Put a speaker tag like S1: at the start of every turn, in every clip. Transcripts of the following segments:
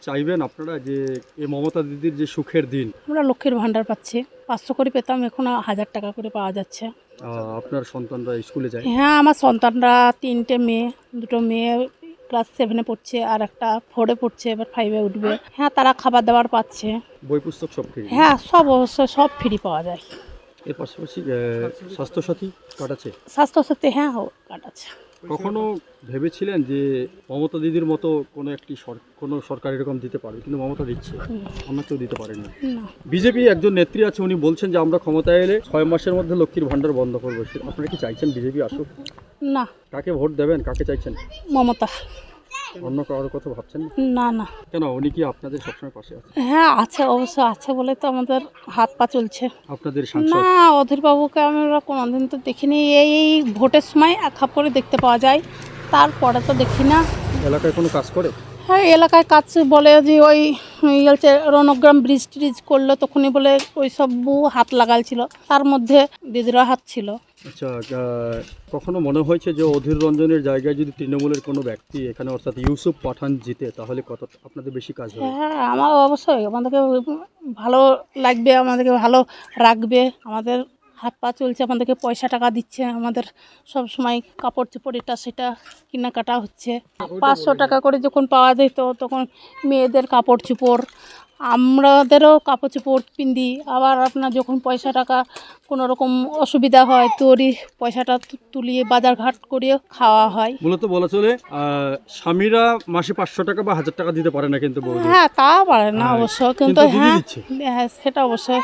S1: চাইবেন আপনারা যে এই মমতা দিদির যে সুখের দিন,
S2: আমরা লক্ষ্মীর ভাণ্ডার পাচ্ছি, 500 করে পেতাম, এখন 1000 টাকা করে পাওয়া যাচ্ছে।
S1: আপনার সন্তানরা স্কুলে যায়,
S2: হ্যাঁ, আমার সন্তানরা 3টে মেয়ে, 2টো মেয়ে ক্লাস 7-এ পড়ছে, আর একটা 4-এ পড়ছে, এবার 5-এ উঠবে। হ্যাঁ, তারা খাবার দাবার পাচ্ছে।
S1: বই পুস্তক সব ফ্রি।
S2: হ্যাঁ, সব অবশ্য সব ফ্রি পাওয়া যায়।
S1: এর পাশাপাশি স্বাস্থ্যসাথী কার্ড আছে।
S2: স্বাস্থ্যসাথী হ্যাঁ কার্ড আছে।
S1: কখনো ভেবেছিলেন যে মমতা দিদির মতো কোনো সরকার এরকম দিতে পারবে, কিন্তু মমতা দিচ্ছে, অন্য কেউ দিতে পারেনি।
S2: না,
S1: বিজেপি একজন নেত্রী আছে, উনি বলছেন যে আমরা ক্ষমতায় এলে 6 মাসের মধ্যে লক্ষ্মীর ভাণ্ডার বন্ধ করবো। আপনারা কি চাইছেন বিজেপি আসুক?
S2: না,
S1: কাকে ভোট দেবেন, কাকে চাইছেন?
S2: মমতা।
S1: অন্য কারোর কথা ভাবছেন না?
S2: না না,
S1: কেন, উনি কি আপনাদের সবসময় পাশে আছে?
S2: হ্যাঁ আছে, অবশ্য আছে বলে তো আমাদের হাত পা চলছে।
S1: আপনাদের
S2: না,
S1: সাংসদ
S2: অধীরবাবুকে আমরা কোনোদিন তো দেখিনি। এই ভোটের সময় এক খাপ করে দেখতে পাওয়া যায়, তারপরে তো দেখি না।
S1: এলাকায় কোনো কাজ করে?
S2: হ্যাঁ, এলাকায় কাজ বলে যে ওই হচ্ছে রণগ্রাম ব্রিজ ট্রিজ করলো, তখনই বলে ওই সব হাত লাগালছিল, তার মধ্যে দিদিরা হাত ছিল।
S1: আচ্ছা, কখনো মনে হয়েছে যে অধীর রঞ্জনের জায়গায় যদি তৃণমূলের কোনো ব্যক্তি এখানে, অর্থাৎ ইউসুফ পাঠান জিতে, তাহলে কত আপনাদের বেশি কাজ হবে?
S2: হ্যাঁ, আমার অবশ্যই আমাদেরকে ভালো লাগবে, আমাদেরকে ভালো রাখবে, আমাদের হাত পা চলছে, আমাদেরকে পয়সা টাকা দিচ্ছে, আমাদের সব সময় কাপড় চোপড় এটা সেটা কেনাকাটা হচ্ছে। 500 টাকা করে যখন পাওয়া যেত তখন মেয়েদের কাপড় চোপড়, আমাদেরও কাপড় চোপড় পিন্দি। আবার আপনার যখন পয়সা টাকা কোনো রকম অসুবিধা হয় তো ওরই পয়সাটা তুলিয়ে বাজার ঘাট করিয়ে খাওয়া হয়।
S1: মূলত বলা চলে স্বামীরা মাসে 500 টাকা বা 1000 টাকা দিতে পারে না, কিন্তু বৌদি
S2: হ্যাঁ, তা পারে না
S1: হ্যাঁ,
S2: অবশ্য,
S1: কিন্তু
S2: কিন্তু
S1: দিদি
S2: হ্যাঁ
S1: দিচ্ছে।
S2: হ্যাঁ, সেটা অবশ্যই।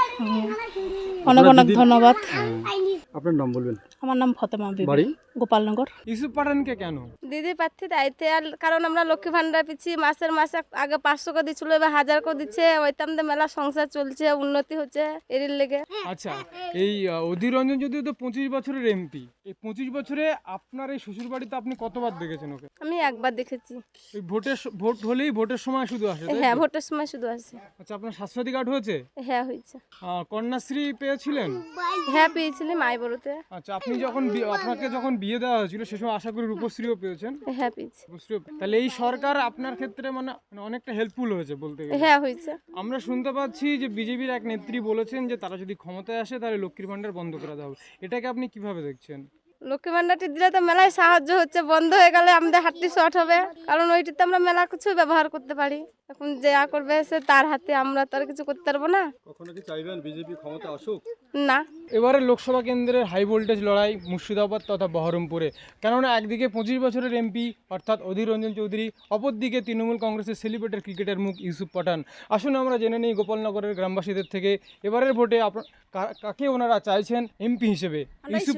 S2: অনেক
S1: আপনার
S2: অনেক
S1: দিদির-
S2: ধন্যবাদ।
S1: আপনার নাম বলবেন?
S2: আমার নাম ফতেমা বিবি,
S1: বাড়ি?
S2: গোপালনগর।
S3: ইউসুফ পাঠানকে কেন?
S4: দিদি প্রার্থী দায়িত্বে, আর কারণ আমরা লক্ষ্মী ভান্ডার পিছি মাসে আগে 500 করে দিচ্ছিল, এবার 1000 করে দিচ্ছে, ওইতাম তো মেলা সংসার চলছে, উন্নতি হচ্ছে এর লেগে।
S3: আচ্ছা, এই অধীর রঞ্জন যদিও তো 25 বছরের এমপি, এই 25 বছরে আপনার এই শ্বশুর বাড়িতে আপনি কতবার দেখেছেন ওকে?
S4: আমি একবার দেখেছি।
S3: ওই ভোট হলেই ভোটের সময় শুধু আসে, তাই তো?
S4: হ্যাঁ, ভোটের সময় শুধু আসে।
S3: আচ্ছা, আপনার স্বাস্থ্যসাথী কার্ড হয়েছে?
S4: হ্যাঁ, হয়েছে।
S3: কন্যাশ্রী পেয়েছিলেন?
S4: হ্যাঁ, পেয়েছিলি মাই বড়তে।
S3: আচ্ছা, আপনি যখন আপনাকে যখন বিয়ে দেওয়া হয়েছিল সে সময় আশা করি রূপশ্রীও পেয়েছেন?
S4: হ্যাঁ, পেয়েছি।
S3: তাহলে এই সরকার আপনার ক্ষেত্রে মানে অনেকটা হেল্পফুল হয়েছে বলতে গেলে।
S4: হ্যাঁ, হয়েছে।
S3: আমরা শুনতে পাচ্ছি যে বিজেপির এক নেত্রী বলেছেন যে তারা যদি ক্ষমতায় আসে তাহলে লক্ষ্মীর ভান্ডার বন্ধ করে দেওয়া হবে। এটাকে আপনি কিভাবে দেখছেন?
S4: লক্ষ্মী ভান্ডারটি দিলে তো মেলায় সাহায্য হচ্ছে, বন্ধ হয়ে গেলে আমাদের হাতটি শর্ট হবে, কারণ ওইটিতে আমরা মেলা কিছু ব্যবহার করতে পারি। এখন যা করবে সে তার হাতে, আমরা তো আর কিছু করতে পারবো না।
S1: কখনো কি চাইবেন বিজেপি ক্ষমতা আসুক?
S4: না,
S3: এবারে লোকসভা কেন্দ্রের হাই ভোল্টেজ লড়াই মুর্শিদাবাদ তথা বহরমপুরে, কেননা একদিকে 25 বছরের এমপি অর্থাৎ অধীর রঞ্জন চৌধুরী, অপরদিকে তৃণমূল কংগ্রেসের সেলিব্রেটেড ক্রিকেটার মুখ ইউসুফ পাঠান। আসুন আমরা জেনে নিই গোপালনগরের গ্রামবাসীদের থেকে এবারের ভোটে কাকে ওনারা চাইছেন এমপি হিসেবে। ইউসুফ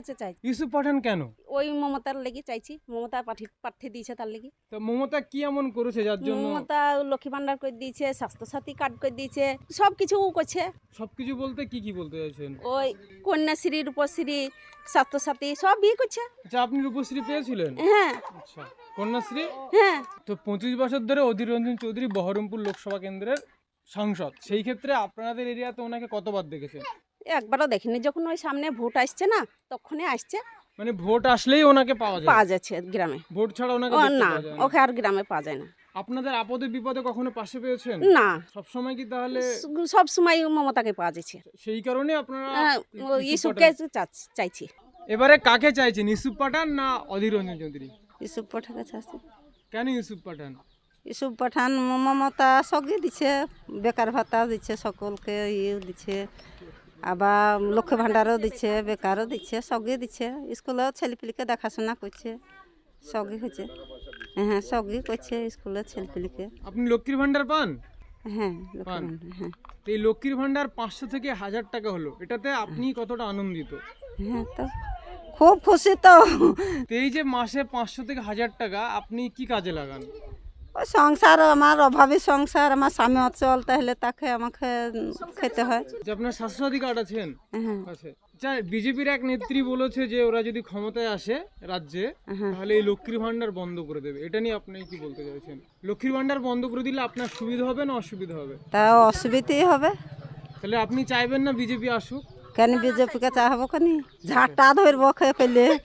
S3: পাঠান কেন?
S5: ওই মমতার লেগে চাইছি, মমতা প্রার্থী দিয়েছে তার লেগে।
S3: তো মমতা কি এমন করেছে যার জন্য?
S5: মমতা লক্ষ্মী ভান্ডার করে দিয়েছে, স্বাস্থ্যসাথী কার্ড করে দিয়েছে, সব কিছু করছে।
S3: সবকিছু বলতে কি বলতে চাইছেন?
S5: ওই কন্যাশ্রী, রূপশ্রী, স্বাস্থ্যসাথী সব বিয়ে করছে।
S3: আচ্ছা, আপনি রূপশ্রী পেয়েছিলেন?
S5: হ্যাঁ
S3: আচ্ছা, কন্যাশ্রী?
S5: হ্যাঁ,
S3: তো 25 বছর ধরে অধীর রঞ্জন চৌধুরী বহরমপুর লোকসভা কেন্দ্রের সাংসদ, সেই ক্ষেত্রে আপনাদের এরিয়াতে ওনাকে কতবার দেখেছেন?
S5: একবারও দেখিনি, যখন ওই সামনে ভোট আসছে না তখনই আসছে,
S3: মানে ভোট আসলেই ওনাকে পাওয়া যায়?
S5: পাওয়া যাচ্ছে গ্রামে।
S3: ভোট ছাড়া ওনাকে
S5: ও
S3: দেখতে
S5: না,
S3: পাওয়া যায় না?
S5: ওকে আর গ্রামে পাওয়া যায় না।
S3: আপনাদের আপদে বিপদে কখনো পাশে পেয়েছেন?
S5: না,
S3: সব সময় কি তাহলে
S5: সব সময় মমতাকে পাওয়া যাচ্ছে।
S3: সেই কারণে আপনারা ইউসুফ
S5: ইসুফকে
S3: পাঠান-
S5: চাইছি।
S3: এবারে কাকে চাইছেন, ইউসুফ পাঠান না অধীর রঞ্জন চৌধুরী?
S5: ইসুফ পাঠানকে চাইছি।
S3: কেন ইউসুফ পাঠান?
S5: ইসুফ পাঠান মমতা সবই দিচ্ছে, বেকার ভাতা দিচ্ছে, সকলকে দিচ্ছে, আবার লক্ষ্মী ভাণ্ডারও দিচ্ছে, বেকারও দিচ্ছে, সবই দিচ্ছে, স্কুলেও ছেলেপিলিকে দেখাশোনা করছে, সবই হচ্ছে। হ্যাঁ, সবই করছে স্কুলের ছেলেপিলিকে।
S3: আপনি লক্ষ্মীর ভান্ডার পান?
S5: হ্যাঁ, লক্ষ্মী
S3: পান।
S5: ভাণ্ডার, হ্যাঁ
S3: তো এই লক্ষ্মীর ভান্ডার 500 থেকে 1000 টাকা হলো, এটাতে আপনি কতটা আনন্দিত?
S5: হ্যাঁ, তো খুব খুশি তো।
S3: তো এই যে মাসে 500 থেকে 1000 টাকা আপনি কি কাজে লাগান?
S5: ওই সংসার, আমার অভাবী সংসার, আমার স্বামী অচল, তাহলে তাকে আমাকে খেতে হয়।
S3: যে আপনার স্বাস্থ্যসাথী কার্ড আছেন?
S5: হ্যাঁ
S3: আছে। আচ্ছা, বিজেপির এক নেত্রী বলেছে যে ওরা যদি ক্ষমতায় আসে রাজ্যে তাহলে এই লক্ষ্মীর ভান্ডার বন্ধ করে দেবে, এটা নিয়ে আপনি কি বলতে চাইছেন? লক্ষ্মীর ভান্ডার বন্ধ করে দিলে আপনার সুবিধা হবে না অসুবিধা হবে?
S5: তা অসুবিধাই হবে।
S3: তাহলে আপনি চাইবেন না বিজেপি আসুক?
S5: কেন বিজেপিকে চাহবো, কেন ঝাঁটা ধরবো খেয়ে পেলে।